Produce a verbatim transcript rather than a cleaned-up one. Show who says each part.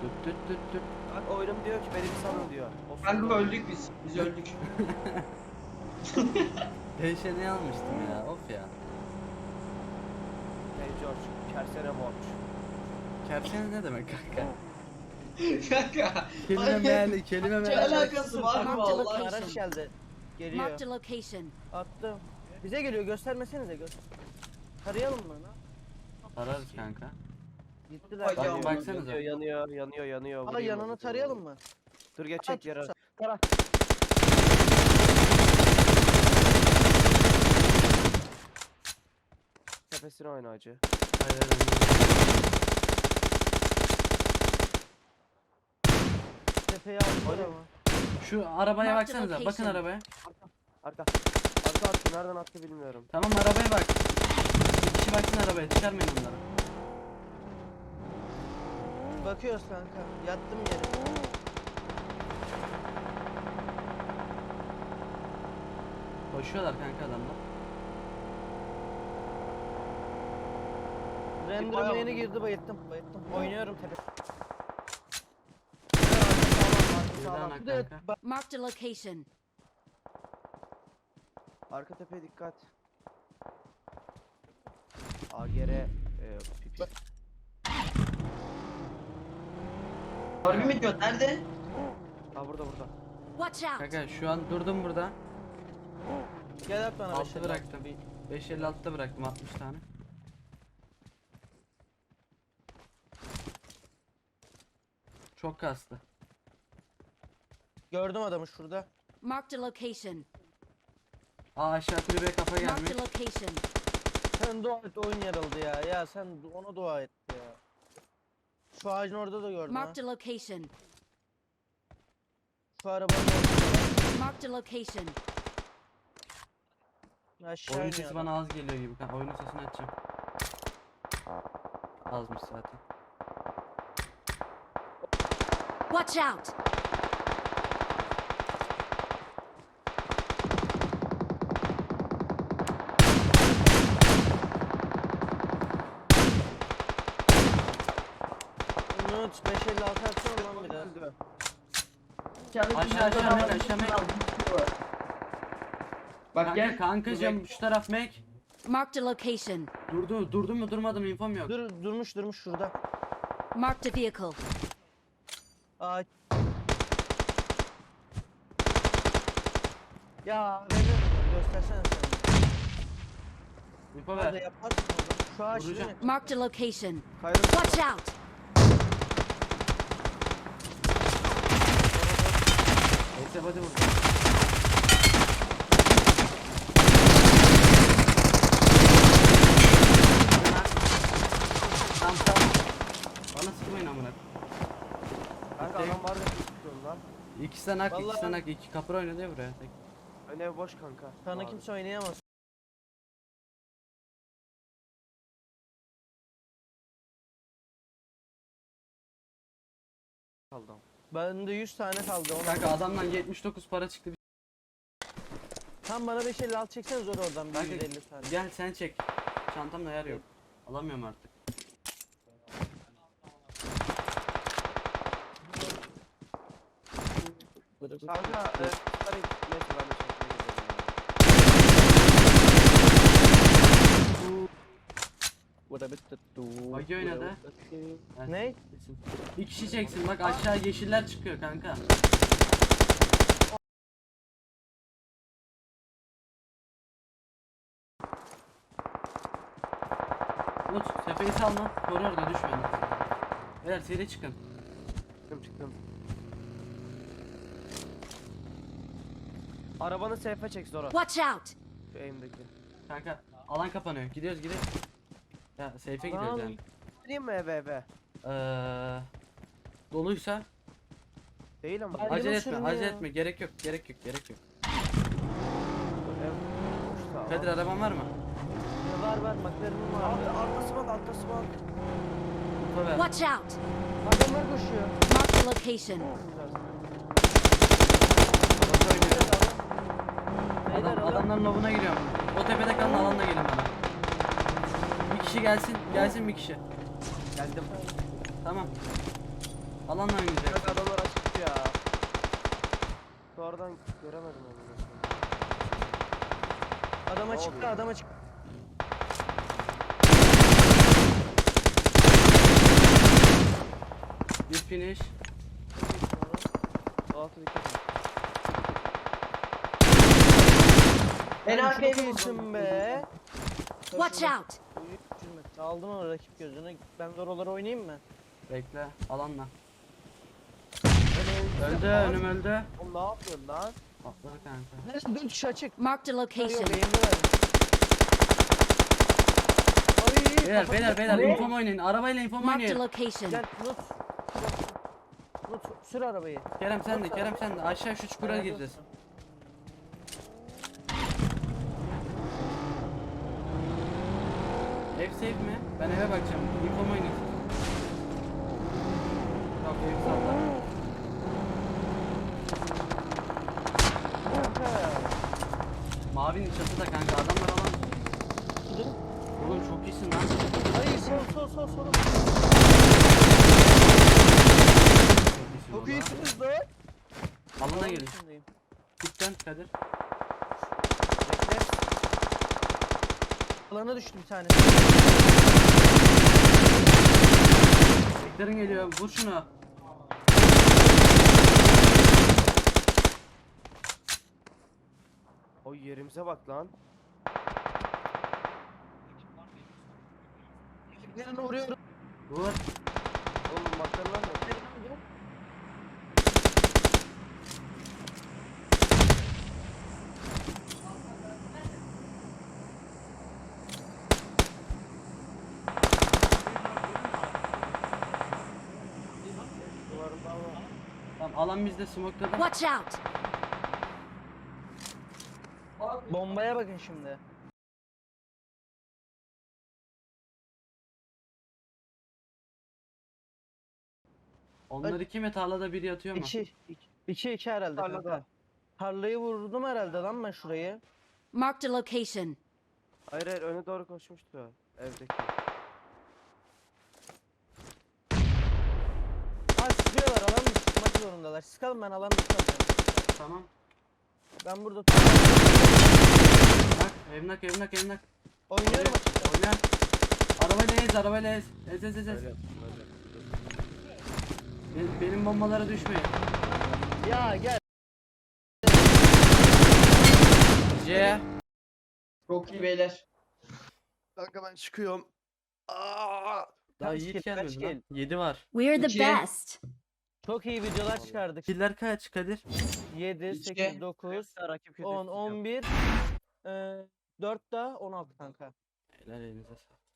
Speaker 1: Düt düt düt düt.
Speaker 2: Bak oyunum diyor ki beni bir salın diyor. Of,
Speaker 3: Kanka öldük biz. Biz öldük.
Speaker 1: Değişeni almıştım ya. Of ya.
Speaker 2: Hey George, kersene borç.
Speaker 1: Kersen ne demek kanka?
Speaker 3: Kanka.
Speaker 1: Kelime
Speaker 3: hayır.
Speaker 1: meali, kelime
Speaker 3: Ne
Speaker 1: meali.
Speaker 3: alakası var mı
Speaker 4: Marked
Speaker 3: Allah
Speaker 4: location.
Speaker 2: Araç geldi. Geliyor.
Speaker 4: Marked a location.
Speaker 2: Attım. Bize geliyor, göstermesenize göster. Tarayalım mı lan?
Speaker 1: Ararız kanka.
Speaker 2: Gittiler.
Speaker 3: Bak,
Speaker 2: Yanıyor,
Speaker 1: baksanıza.
Speaker 2: Yanıyor, yanıyor, yanıyor.
Speaker 5: Aa
Speaker 2: Vurayım
Speaker 5: yanını
Speaker 2: onu.
Speaker 5: tarayalım mı?
Speaker 2: Dur geçecek yere.
Speaker 5: Tara.
Speaker 2: Tepesine oyna acı.
Speaker 1: Hayır, hayır,
Speaker 5: Tepeye aldılar
Speaker 2: Oyna.
Speaker 5: ama.
Speaker 1: Şu arabaya
Speaker 4: Marked
Speaker 1: baksanıza. Bakın
Speaker 4: location.
Speaker 1: arabaya.
Speaker 2: Arka. Arka attı. Nereden attı bilmiyorum.
Speaker 1: Tamam arabaya bak. Bir kişi baksın arabaya. Çıkarmayın onları.
Speaker 5: Bakıyoruz kanka. Yattım yere.
Speaker 1: Koşuyorlar kanka adamlar.
Speaker 5: Render'ıma
Speaker 3: bayağı-
Speaker 5: yeni girdi bayıttım. Bayıttım.
Speaker 2: Oynuyorum tepe.
Speaker 1: Birden
Speaker 2: Sağlam.
Speaker 1: ak
Speaker 5: Bir de
Speaker 1: kanka.
Speaker 5: bak
Speaker 4: Marked a location.
Speaker 2: Arka tepeye dikkat. A G'ye e, pipi.
Speaker 3: Harbi mi diyor? Nerede?
Speaker 2: Ha burada burada.
Speaker 4: Watch out.
Speaker 1: Kanka şu an durdum burada.
Speaker 5: gel at bana.
Speaker 1: Altı
Speaker 5: beş elli.
Speaker 1: bıraktım. beş elli altıda bıraktım altmış tane. Çok kastı.
Speaker 5: Gördüm adamı şurada.
Speaker 4: Marked a location.
Speaker 1: Aa aşağı kulübeye kafa gelmiş.
Speaker 4: Marked a location.
Speaker 5: Sen dua et oyun yarıldı ya. Ya sen ona dua et ya. Şu ağacın orada da gördüm ha.
Speaker 4: Marked a location.
Speaker 5: Şu arabanın orada.
Speaker 4: Marked a location.
Speaker 5: Aşağı
Speaker 1: Oyun
Speaker 5: iniyor
Speaker 1: sesi
Speaker 5: adam.
Speaker 1: bana az geliyor gibi. kanka. Oyunun sesini açacağım. Azmış zaten.
Speaker 4: Watch out.
Speaker 5: Umut beş elli altı atsana lan bir daha.
Speaker 2: Öldü.
Speaker 1: Aşağı, aşağı, Mek, aşağı, Mek.
Speaker 3: Bak
Speaker 1: Kanka
Speaker 3: gel.
Speaker 1: kankacığım şu taraf Mac.
Speaker 4: Marked a location.
Speaker 1: Durdu, durdu mu durmadı mı infom yok.
Speaker 5: Dur durmuş durmuş şurada.
Speaker 4: Marked a vehicle.
Speaker 5: Ağaç. Ya veriyorum göstersene sen.
Speaker 1: Info
Speaker 5: Hadi
Speaker 1: ver.
Speaker 5: yapar mısın oğlum? Şu ağaç değil
Speaker 1: Vuracağım.
Speaker 5: mi?
Speaker 4: Marked a location.
Speaker 2: Kaydı.
Speaker 4: Watch out.
Speaker 1: Neyse hadi vur. Tamam tamam. Bana sıkmayın amına.
Speaker 2: Kanka adam var da tutuyorum lan.
Speaker 1: İki sanak, iki
Speaker 5: Vallahi-
Speaker 1: sanak, iki kapır oynadı ya buraya. Tek.
Speaker 2: Ön ev boş kanka.
Speaker 5: Sana
Speaker 2: Abi.
Speaker 5: kimse oynayamaz.
Speaker 2: Kaldım.
Speaker 5: Bende yüz tane kaldı. Ona.
Speaker 1: Kanka adamdan yetmiş dokuz para çıktı.
Speaker 5: Tam bana beş elli altı çeksene zor oradan bir
Speaker 1: Kanka
Speaker 5: yüz elli tane.
Speaker 1: gel sen çek. Çantamda yer yok. Alamıyorum artık.
Speaker 2: Kanka e, bunları neyse ben de çekmeye gidiyorum.
Speaker 1: Bagi oynadı. Evet,
Speaker 5: Ne?
Speaker 1: kesin. Bir kişi çeksin bak aşağı yeşiller çıkıyor kanka. Umut sepeyi salma. Koru orada düşme. Beyler seri çıkın.
Speaker 2: Çıktım çıktım. Arabanı seyfe çek Zora.
Speaker 4: Watch out.
Speaker 2: Şu eğimdeki.
Speaker 1: Kanka alan kapanıyor. Gidiyoruz gidiyoruz. Ya safe'e gidiyoruz
Speaker 5: Lan.
Speaker 1: yani.
Speaker 2: Gireyim mi eve eve?
Speaker 1: Eee doluysa
Speaker 2: Değil ama.
Speaker 5: Ay-
Speaker 1: acele
Speaker 5: Ayrılın
Speaker 1: etme,
Speaker 5: sürün
Speaker 1: acele
Speaker 5: ya.
Speaker 1: etme. Gerek yok, gerek yok, gerek yok.
Speaker 2: Ev boşsa.
Speaker 1: Kadir araban var mı?
Speaker 5: Ya var var McLaren'ım var.
Speaker 2: Alt, altası bak altası bak.
Speaker 1: Info ver.
Speaker 4: Watch out.
Speaker 5: Adamlar koşuyor.
Speaker 4: Marked a location.
Speaker 1: Kontrol ediyorum.
Speaker 5: Beyler,
Speaker 1: Adam,
Speaker 5: adam-
Speaker 1: adamların lobuna giriyorum. O tepede kalın alanla gelin bana. Bir kişi gelsin, gelsin bir kişi.
Speaker 2: Geldim.
Speaker 1: Tamam. Alanla oynayacak.
Speaker 5: Bak adamlar açık ya. Sonradan göremedim onu.
Speaker 2: Adama
Speaker 5: Ne
Speaker 2: çıktı,
Speaker 5: oluyor?
Speaker 2: adama çıktı.
Speaker 1: Bir finish.
Speaker 5: Altı dikkat et.
Speaker 3: En
Speaker 2: Sen
Speaker 3: arkaya
Speaker 2: çok
Speaker 3: bir
Speaker 2: iyisin be.
Speaker 4: Watch out!
Speaker 2: Aldım onu rakip gözüne. Ben de oralara oynayayım mı?
Speaker 1: Bekle. Alanla.
Speaker 5: Öyle
Speaker 1: Öldü.
Speaker 5: Aa,
Speaker 1: Önüm öldü.
Speaker 5: Oğlum ne yapıyorsun lan?
Speaker 1: Atladı kanka.
Speaker 2: Neresi dön tuşu açık.
Speaker 4: Marked a
Speaker 2: Yok
Speaker 4: location.
Speaker 2: eğimde verdim. Ay,
Speaker 1: Beyler
Speaker 2: kafası-
Speaker 1: beyler beyler
Speaker 2: Ne?
Speaker 1: infom oynayın. Arabayla infom
Speaker 4: Marked a
Speaker 1: oynayın.
Speaker 4: location.
Speaker 2: Gel Nut. Nut sür arabayı.
Speaker 1: Kerem sen de Kerem sen de. Aşağı şu çukura
Speaker 2: Nerede
Speaker 1: gireceğiz.
Speaker 2: olsun?
Speaker 1: Ev safe mi? Ben eve bakacağım. Infom oynayın. Yok ev salla.
Speaker 2: Kanka.
Speaker 1: Mavinin çatıda kanka. Adamlar alan.
Speaker 2: Dur.
Speaker 1: Oğlum çok iyisin lan.
Speaker 2: Ay sol sol sol sol.
Speaker 1: Çok iyisin
Speaker 2: Çok
Speaker 1: valla.
Speaker 2: iyisiniz lan.
Speaker 1: Alana gelin.
Speaker 2: İçindeyim.
Speaker 1: Gitten Kadir.
Speaker 2: Bekle. Alana düştü bir tane.
Speaker 1: Beklerin geliyor. Vur şunu.
Speaker 5: O yerimize bak lan.
Speaker 2: Ekiplerine vuruyorum.
Speaker 1: Vur.
Speaker 5: Oğlum makarnalar ne? Duvarında var.
Speaker 1: Tamam alan bizde smoke'ladı.
Speaker 4: Watch out!
Speaker 2: Bombaya bakın şimdi.
Speaker 1: Onlar iki mi tarlada biri yatıyor mu?
Speaker 2: İki. iki, iki, iki herhalde
Speaker 5: Tarlada.
Speaker 2: kanka. Tarlayı vurdum herhalde lan ben şurayı.
Speaker 4: Marked a location.
Speaker 5: Hayır hayır öne doğru koşmuştu evdeki.
Speaker 2: Ha sıkıyorlar alan dışı çıkmak zorundalar. Sıkalım ben alan dışı kalacağım.
Speaker 1: Tamam.
Speaker 2: Ben burada
Speaker 1: Bak evnak evnak evnak.
Speaker 2: oynuyorum açıkta.
Speaker 1: Oyna. Arabayla ez arabayla ez. Ez ez ez ez.
Speaker 5: Öyle yaptım öyle.
Speaker 1: Benim, benim bombalara düşmeyin.
Speaker 2: Ya gel.
Speaker 1: C.
Speaker 3: Çok iyi beyler.
Speaker 5: Kanka ben çıkıyorum. Aa!
Speaker 1: Daha
Speaker 2: Kaç
Speaker 1: Yiğit
Speaker 2: kill, kaç
Speaker 1: gelmedi lan.
Speaker 2: kill?
Speaker 1: yedi var.
Speaker 4: We're the
Speaker 3: İki.
Speaker 4: best.
Speaker 2: Çok iyi videolar çıkardık.
Speaker 1: Killer kaç Kadir?
Speaker 2: yedi,
Speaker 3: İki.
Speaker 2: sekiz, dokuz,
Speaker 5: Rakip kötü
Speaker 2: on,
Speaker 5: tutacağım.
Speaker 2: on bir, e, dört daha on altı kanka.
Speaker 1: Helal elinize sağlık.